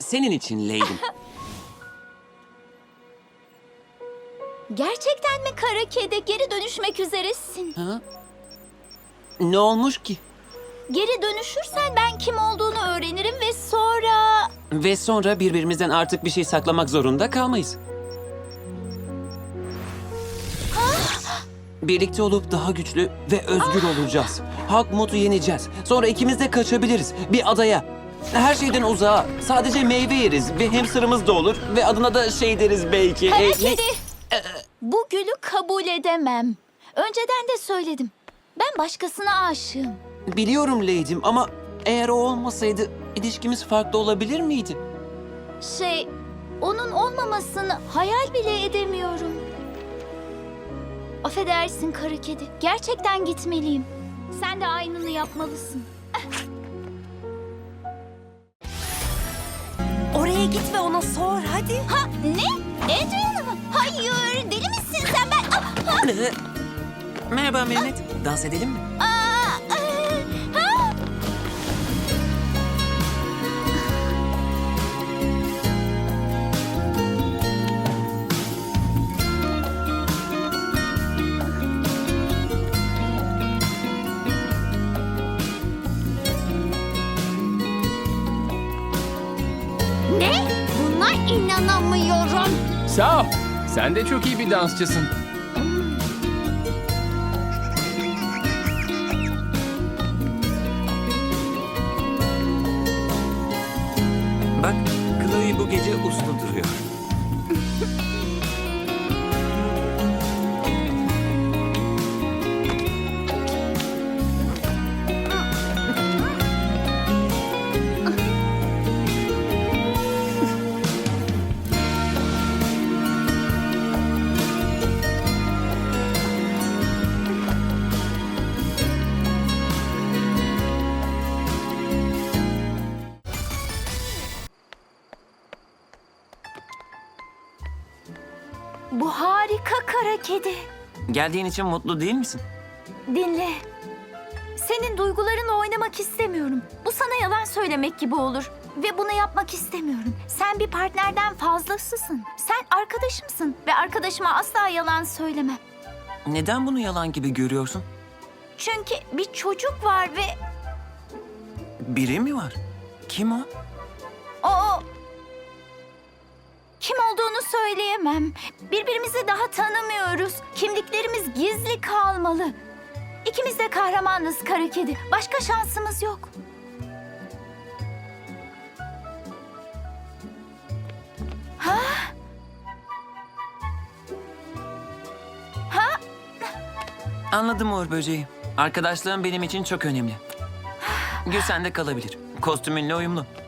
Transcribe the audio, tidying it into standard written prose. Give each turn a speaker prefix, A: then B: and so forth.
A: Senin için Lady'm.
B: Gerçekten mi kara kedi? Geri dönüşmek üzeresin.
A: Ha? Ne olmuş ki?
B: Geri dönüşürsen ben kim olduğunu öğrenirim ve sonra...
A: Ve sonra birbirimizden artık bir şey saklamak zorunda kalmayız. Birlikte olup daha güçlü ve özgür olacağız. Hakmut'u yeneceğiz. Sonra ikimiz de kaçabiliriz. Bir adaya. Her şeyden uzağa. Sadece meyve yeriz ve hamsterımız da olur. Ve adına da şey deriz belki.
B: Kara
A: Ne?
B: kedi! Bu gülü kabul edemem. Önceden de söyledim. Ben başkasına aşığım.
A: Biliyorum Lady'm ama eğer o olmasaydı ilişkimiz farklı olabilir miydi?
B: Onun olmamasını hayal bile edemiyorum. Affedersin kara kedi. Gerçekten gitmeliyim. Sen de aynını yapmalısın.
C: Oraya git ve ona sor hadi.
B: Ha ne? Adrian'ı mı? Hayır, deli misin sen?
A: Merhaba Mehmet. Dans edelim mi?
B: Ha? Ne? Buna inanamıyorum.
D: Sağ ol. Sen de çok iyi bir dansçısın.
A: Bak, Chloe bu gece uslu duruyor.
B: Bu harika kara kedi.
A: Geldiğin için mutlu değil misin?
B: Dinle. Senin duygularınla oynamak istemiyorum. Bu sana yalan söylemek gibi olur. Ve bunu yapmak istemiyorum. Sen bir partnerden fazlasısın. Sen arkadaşımsın. Ve arkadaşıma asla yalan söylemem.
A: Neden bunu yalan gibi görüyorsun?
B: Çünkü bir çocuk var ve
A: Biri mi var? Kim o?
B: o... Kim olduğunu söyleyemem. Birbirimizi daha tanımıyoruz. Kimliklerimiz gizli kalmalı. İkimiz de kahramanız kara kedi. Başka şansımız yok. Ha? Ha?
A: Anladım Uğur Böceği. Arkadaşlığın benim için çok önemli. Gül sende kalabilir. Kostümünle uyumlu.